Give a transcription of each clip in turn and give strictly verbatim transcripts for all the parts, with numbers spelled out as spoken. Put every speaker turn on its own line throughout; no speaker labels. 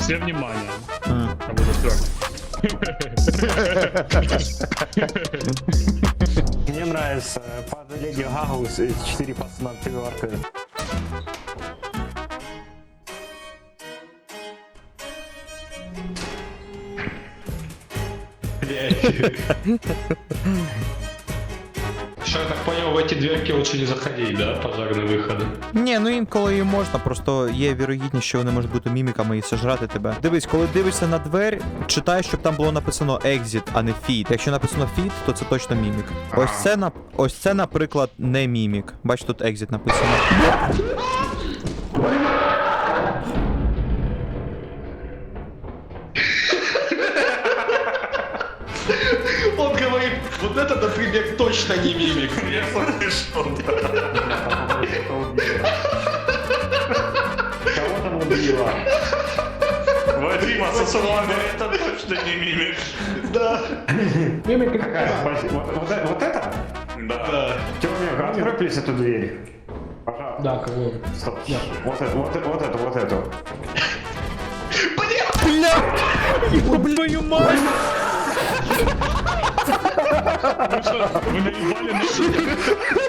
Все внимание.
А.
Я буду твердо.
Мне нравится под Леди Гагу четыре пацана пиварка.
Що я так понял, в эти дверки лучше не заходить, да? Пожарные выходы.
Ні, ну інколи і можна, просто є вірогідність, що вони можуть бути міміками і сожрати тебе. Дивись, коли дивишся на двері, читай, щоб там було написано exit, а не feed. Якщо написано feed, то це точно мімік. Ось це, на... Ось це, наприклад, не мімік. Бач, тут exit написано.
Он говорит, вот это, например, точно не мимик. Я слышал.
Кого там убило?
Вадима Сосолана, это точно не мимик.
Да. Какая? Вот, вот, э- вот это?
Да.
Тёмик, открой, плиз, эту дверь. Пожалуйста.
Да, кого?
Стоп. Вот это, вот это, вот это, вот эту.
Бля! Твою мать!
Вы что, вы наебали на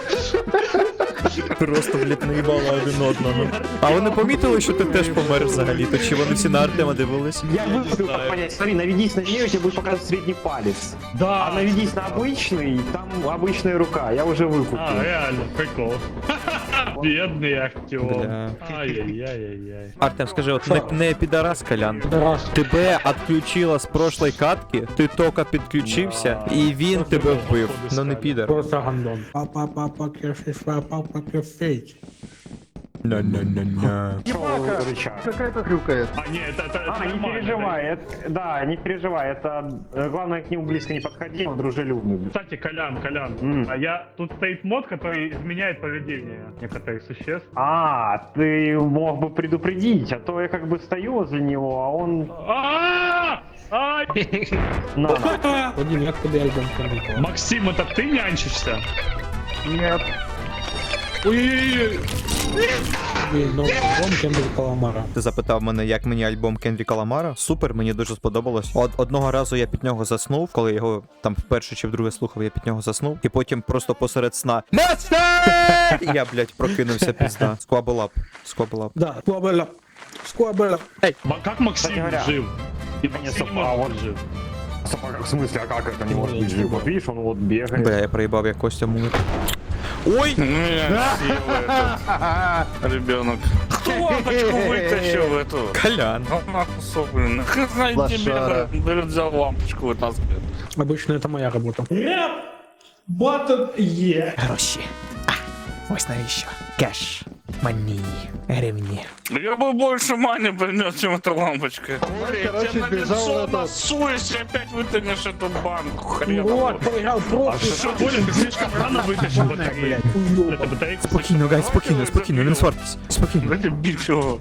Просто, блядь, наїбали один одного. А вони помітили, що ти теж помер взагалі-то? Чи вони всі на Артема дивились?
Я выкупил, как понять. Смотри, наведись на нее, тебе будет показывать средний палец. А
Да.
наведись на обычный, там обычная рука. Я уже выкупил.
А, реально, прикол. Бедный актер.
Бля.
Ай-яй-яй-яй-яй.
Артем, скажи, от не, не підарас, Колян.
Раз.
Тебе відключила з прошлої катки, ти тільки підключився, і він тебе вбив. Ну не підар.
Просто гандон. Папа, папа, кефиш, папа, папа, кефиш.
На-на-на-на.
Рычаг.
Какая-то хрюкает.
А, не, это, это, это
А, не
нормально.
переживай, это, да, не переживай, это э, главное к нему близко не подходи, он дружелюбный.
Кстати, Колян, Колян,
М.
а я тут стоит мод, который изменяет поведение некоторых существ.
А, ты мог бы предупредить, а то я как бы стою возле него, а он...
А! Ай!
На, на.
Вадим, як тобі альбом Кендрика?
Максим, это ты нянчишься?
Нет.
Ой-ой-ой!
Блін, ну, альбом Кендрика Ламара.
Ти запитав мене, як мені альбом Кендріка Ламара. Супер, мені дуже сподобалось. Од одного разу я під нього заснув, коли його там вперше чи вдруге слухав, я під нього заснув. І потім просто посеред сна Мастер! І я, блядь, прокинувся пізда. Сквабелап. Сквабелап.
Да, Скуабела. Скуабела.
Ма- Как Максим
Кстати говоря,
жив? И
не
Максим не
совпало.
может быть жив.
В смысле, а как это не может быть жив? Вот видишь, он вот бегает.
Бля, я проїбав, як Костя мумик. Ой!
Ребенок. Кто лампочку вытащил эту?
Колян.
Нахуй, блин. Хрена тебе бегает, берет, взял лампочку, вытаскивает.
Обычно это моя работа. Батон е.
Гроші. А, ось навіщо. Кеш. Мані. Гривні.
Я бы больше мани принес, чем эта лампочка. Я тебе на лицо насуюсь и опять вытянешь эту банку. Хрен.
Вот, проиграл просто.
Что, Коля, ты слишком рано вытащил батарею. Это батарейка.
Спокійно, гай, спокійно, спокійно, не свартесь. Спокійно.
Давайте бить его.